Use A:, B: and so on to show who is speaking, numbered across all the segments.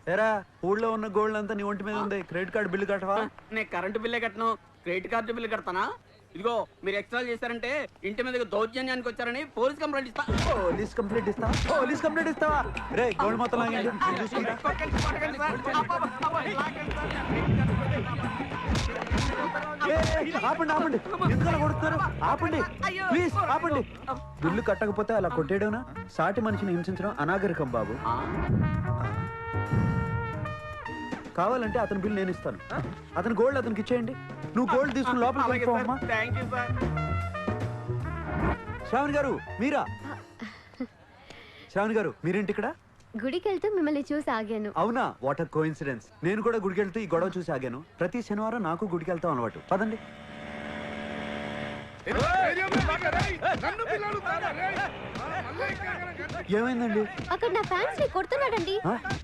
A: ఎరా ఊళ్ళో ఉన్న గోల్డ్ అంతా నీ ఒంటి మీద ఉంది. క్రెడిట్ కార్డు బిల్లు కట్టవా?
B: నేను కరెంటు బిల్లే కట్టను, క్రెడిట్ కార్డు బిల్లు కడతానా? ఇదిగో మీరు ఎక్స్ట్రా చేశారంటే ఇంటి మీద దౌర్జన్యానికి వచ్చారని పోలీస్ కంప్లైంట్ ఇస్తా.
A: పోలీస్ కంప్లైంట్ ఇస్తావా? రే గోల్డ్ మొత్తం లాగండి. ఆపండి ఆపండి, ఎందుకలా కొడుతున్నారు? ఆపండి ప్లీజ్ ఆపండి. బిల్లు కట్టకపోతే అలా కొట్టేయడం, సాటి మనిషిని హింసించడం అనాగరికం బాబు. కావాలంటే అతని బిల్లు నేను ఇస్తాను. అతని గోల్డ్ అతనికి ఇచ్చేయండి. నువ్వు గోల్డ్ తీసుకుని లోపలికి వెళ్ళిపోమ్మా. శ్రావణి గారు మీరా? శ్రావణి గారు మీరేంటి ఇక్కడ?
C: గుడికి వెళ్తూ మిమ్మల్ని చూసి ఆగాను.
A: అవునా? What a coincidence. నేను కూడా గుడికి వెళ్తూ ఈ గొడవ చూసి ఆగాను. ప్రతి శనివారం నాకు గుడికి వెళ్తాం అలవాటు. పదండి. ఏమైందండి?
C: అక్కడ నా ఫ్యాన్స్ ని కొడుతున్నాడండి.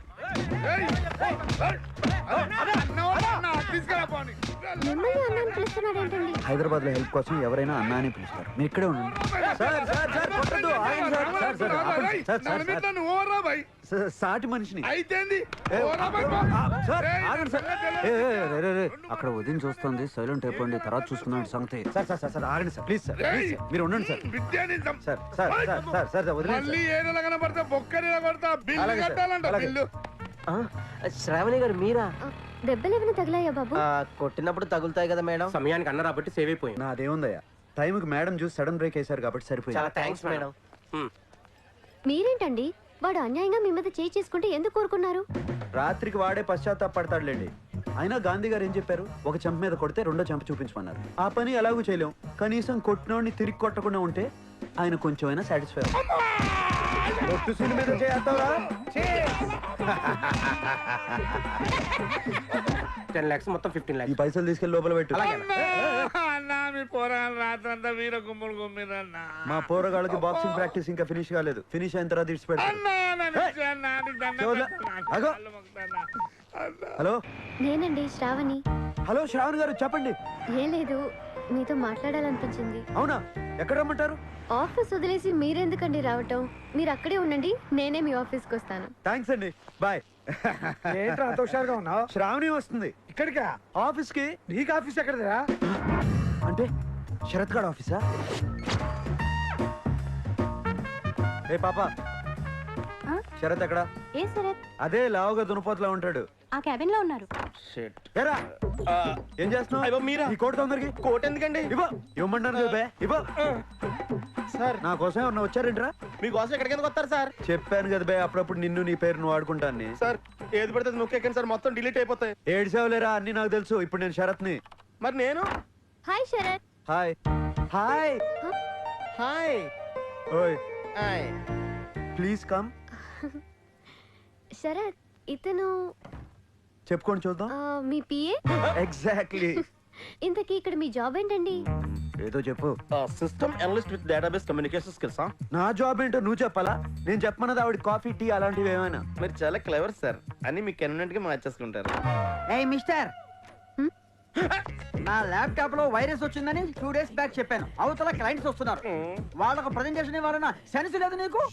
C: మిమ్మల్ని అన్నాన్ని పిలుస్తున్నాడేంటండి?
A: హైదరాబాద్ లో హెల్ప్ కోసం ఎవరైనా అన్నా అని పిలుస్తారు. మీరు ఇక్కడే ఉండండి. సాటి మనిషిని అక్కడ వదిన చూస్తుంది. సైలెంట్ అయిపోండి, తర్వాత చూసుకున్నాడు సంగతి. సార్ సార్ సార్ ఆగండి సార్, ప్లీజ్ సార్, మీరు ఉండండి sir. Sir sir sir sir
D: Shravani గారు మీరా?
C: దెబ్బలు ఏమైనా తగిలాయా బాబు?
D: కొట్టినప్పుడు తగులుతాయి కదా మేడం. సమయానికి అన్న రాబట్టి సేవ్ అయిపోయింది.
A: నాదేముందయ్యా, టైంకి మేడం చూసి సడన్ బ్రేక్ వేశారు కాబట్టి సరిపోయింది.
D: చాలా థ్యాంక్స్ మేడం.
C: మీరేంటండి వాడు అన్యాయంగా మీ మీద చేయి చేసుకుంటే ఎందుకు కోరుకున్నారు?
A: రాత్రికి వాడే పశ్చాత్తాపడతాడులేండి. అయినా గాంధీ గారు ఏం చెప్పారు? ఒక చెంప మీద కొడితే రెండో చెంప చూపించమన్నారు. ఆ పని ఎలాగూ చేయలేం. కనీసం కొట్టినోడిని తిరిగి కొట్టకుండా ఉంటే ఆయన కొంచెమైనా సాటిస్ఫై. ఒట్టు సీన్ మీద చేస్తావా?
D: 10 lakhs మొత్తం 15 lakhs.
A: ఈ పైసలు తీసుకెళ్లి లోపల పెట్టు. మా పోరగాళ్ళకి బాక్సింగ్ ప్రాక్టీస్ ఇంకా ఫినిష్ కాలేదు. ఫినిష్ అయిన తర్వాత ఇడిచి పెడతారు. హలో
C: నేనండి శ్రావణి.
A: హలో శ్రావణి గారు చెప్పండి.
C: ఏం లేదు, మీతో మాట్లాడాలనిపించింది.
A: అవునా? ఎక్కడ రమ్మంటారు?
C: ఆఫీస్ వదిలేసి మీరెందుకండి రావటం? మీరు అక్కడే ఉండండి, నేనే మీ ఆఫీస్కి వస్తాను.
A: థ్యాంక్స్ అండి, బాయ్.
E: ఏంట్రా అంత హుషారుగా ఉన్నావు?
A: శ్రావణి వస్తుంది.
E: ఇక్కడికా?
A: ఆఫీస్ కి.
E: నీకు ఆఫీస్ ఎక్కడదిరా?
A: అంటే శరత్ గారు ఆఫీసా? ఏ పాప, శరత్ ఎక్కడా?
C: ఏ శరత్?
A: అదే లావుగా దునపోతలా ఉంటాడు.
C: ఆ క్యాబిన్ లో ఉన్నారు.
A: ఏరా ఏం చేస్తున్నావు?
D: మీరా?
A: ఈ కోట్ తొందరకి.
D: కోట్ ఎందుకండి?
A: ఇవ్వమంటారు ఇవ్వ.
D: సార్
A: నా కోసం ఎవరన్నా వచ్చారేంట్రా?
D: మీకోసం ఎక్కడికి ఎందుకు వస్తారు సార్?
A: చెప్పాను కదా బే, అప్పుడప్పుడు నిన్ను నీ పేరును వాడుకుంటాను.
D: సార్ ఏది పడితే నొక్కేకండి సార్, మొత్తం డిలీట్ అయిపోతాయి.
A: ఏడ్చావులేరా, అన్ని నాకు తెలుసు. ఇప్పుడు నేను శరత్ ని.
D: మరి నేను?
C: Hi Sharath.
A: Hi hi
D: hi.
A: ఓయ్
D: హాయ్.
A: Please come.
C: శరత్ ఇతను
A: చెప్పుకోండి చూద్దాం.
C: మీ పిఏ?
A: ఎగ్జాక్ట్లీ.
C: ఇంతకీ ఇక్కడ మీ జాబ్ ఏంటండి?
A: ఏదో చెప్పు.
D: System analyst with database communication skills.
A: నా జాబ్ ఏంటో నువ్వు చెప్పాలా? నేను చెప్పమన్నది ఆవిడ కాఫీ టీ అలాంటివి ఏమైనా.
D: మీరు చాలా క్లెవర్ సార్, అని మీకు కన్వీనియంట్ గా మార్చేసుకుంటారు.
F: ఏయ్ మిస్టర్, నా ల్యాప్టాప్ లో వైరస్ వచ్చిందని 2 days బ్యాక్ చెప్పాను. అవతల క్లయింట్స్ వస్తున్నారు, వాళ్ళకు ప్రజెంటేషన్ ఇవ్వాలన్నా సెన్స్ లేదు నీకు?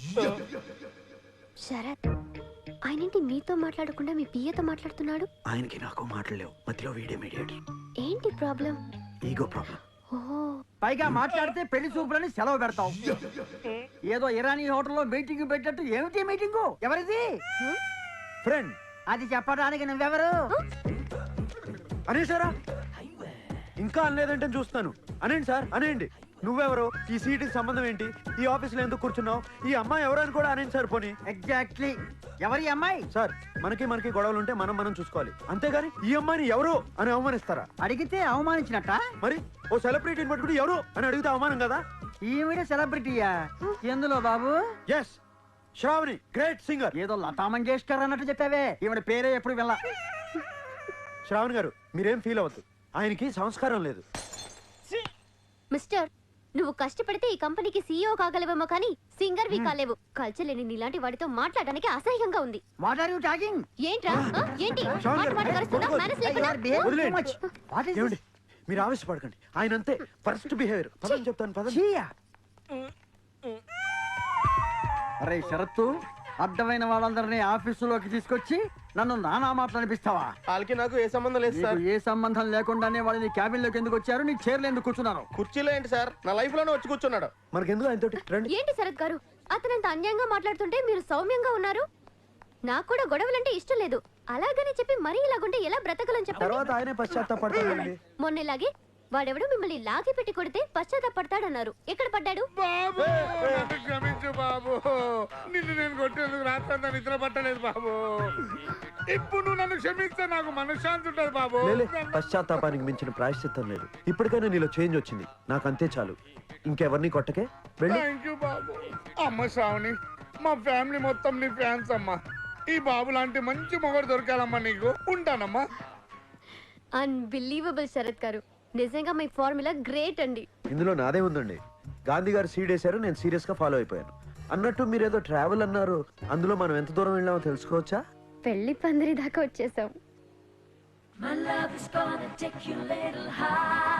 C: శరత్ ఆయనేంటి మీతో మాట్లాడకుండా మీ పిఏతో మాట్లాడుతున్నాడు?
A: ఆయనకి నాకు మాట్లాడలేవు, మధ్యలో వీడియో మీడియేటర్.
C: ఏంటి ప్రాబ్లం?
A: Ego problem.
F: పైగా మాట్లాడితే పెళ్లి చూపులని సెలవు పెడతావు. ఏదో ఇరానీ హోటల్లో మీటింగ్ పెట్టినట్టు. ఏమిటి మీటింగు? ఎవరిది?
A: ఫ్రెండ్.
F: అది చెప్పడానికి నువ్వెవరు?
A: అనేసారా? ఇంకా అనలేదంటే చూస్తాను. అనేండి సార్, అనేయండి. నువ్వెవరు? ఈ సీటుకి సంబంధం ఏంటి? ఈ ఆఫీస్ లో ఎందుకు కూర్చున్నావు? ఈ అమ్మాయి ఎవరని కూడా అనేండి సార్. పోనీ
F: ఎగ్జాక్ట్లీ ఎవరి అమ్మాయి?
A: సార్ మనకి గొడవలు ఉంటే మనం చూసుకోవాలి, అంతేగాని ఈ అమ్మాయిని ఎవరు అని అవమానిస్తారా?
F: అడిగితే అవమానించినట్ట.
A: మరి ఓ సెలబ్రిటీని పట్టుకుని ఎవరు అని అడిగితే అవమానం కదా?
F: ఈవిడ సెలబ్రిటీయా? ఎందులో బాబు?
A: Yes, Shravani, great singer.
F: ఏదో లతా మంగేష్కర్ అన్నట్టు చెప్పావే, ఈవిడ పేరే ఎప్పుడు వెళ్ళ.
A: శ్రావణి గారు మీరేం ఫీల్ అవ్వద్దు, ఆయనకి సంస్కారం లేదు.
C: మిస్టర్, నువ్వు కష్టపడితే ఈ కంపెనీకి సీఈఓ కాగలవేమో కానీ సింగర్ వి కాలేవు. కల్చర్ లేని నీలాంటి వాడితో మాట్లాడడానికి అసహ్యంగా ఉంది.
F: What are you talking?
C: ఏంట్రా? ఏంటి మాట్లాడగలుగుతున్నా? మేనేజ్ లేకుండా?
A: ఏమండి మీరు ఆవేశపడకండి, ఆయన అంతే ఫస్ట్ బిహేవియర్. పదని చెప్తాను పద.
F: అరే శరత్తు, అడ్డమైన వాళ్ళందరినీ ఆఫీసులోకి తీసుకొచ్చి నన్ను నానా మాటలు అనిపిస్తావా?
D: వాళ్ళకి నాకు ఏ సంబంధం లేదు సార్.
F: నీకు ఏ సంబంధం లేకుండానే వాళ్ళు నీ క్యాబిన్ లోకి ఎందుకు వచ్చారు? నీ చైర్లు ఎందుకు కూర్చున్నారు?
D: కుర్చీలో ఏంటి సార్, నా లైఫ్ లోనే వచ్చి కూర్చున్నాడు.
A: మనకెందుకు ఆయనతోటి రండి.
C: ఏంటి శరత్ గారు అతనంత అన్యాయంగా మాట్లాడుతుంటే మీరు సౌమ్యంగా ఉన్నారు? నాకు కూడా గొడవలంటే ఇష్టం లేదు. అలాగని చెప్పి మరీ ఇలాగుంటే ఎలా బ్రతకలని చెప్పండి.
A: తర్వాత ఆయనే పశ్చాత్తాపడతాడండి.
C: మొన్న ఇలాగే వాడెవడో మిమ్మల్ని లాగి పెట్టి కొడితే పశ్చాత్తాపడతాడన్నారు. ఎక్కడ పడ్డాడు?
E: బాబు నన్ను క్షమించు బాబు. నిన్ను నేను కొట్టేందుకు రాత్రంతా నిద్ర పట్టలేదు బాబు. ఇప్పుడు నువ్వు నన్ను క్షమిస్తే నాకు మనశ్శాంతి ఉంటుంది బాబు.
A: లేలే, పశ్చాత్తాపానికి మించిన ప్రాయశ్చిత్తం లేదు. ఇప్పటికైనా నీలో చేంజ్ వచ్చింది, నాకు అంతే చాలు. ఇంకెవరిని కొట్టకే, వెళ్ళి.
E: థ్యాంక్ యూ బాబు. అమ్మ శ్రావణి, మా ఫ్యామిలీ మొత్తం నీ ఫ్యాన్స్ అమ్మా. ఈ బాబు లాంటి మంచి మొగడు దొరకాలమ్మా నీకు. ఉంటానమ్మా.
C: అన్బిలీవబుల్ శరత్ గారు, నిజంగా మీ ఫార్ములా గ్రేట్ అండి.
A: ఇందులో నాదే ఉందండి. గాంధీ గారు సీడ్ వేశారు, నేను సీరియస్ గా ఫాలో అయిపోయాను. అన్నట్టు మీరేదో ట్రావెల్ అన్నారు, అందులో మనం ఎంత దూరం వెళ్ళామో తెలుసుకోవచ్చా?
C: పెళ్లి పందిరి దాకా వచ్చేసాం.
G: My love is gonna take you a little high.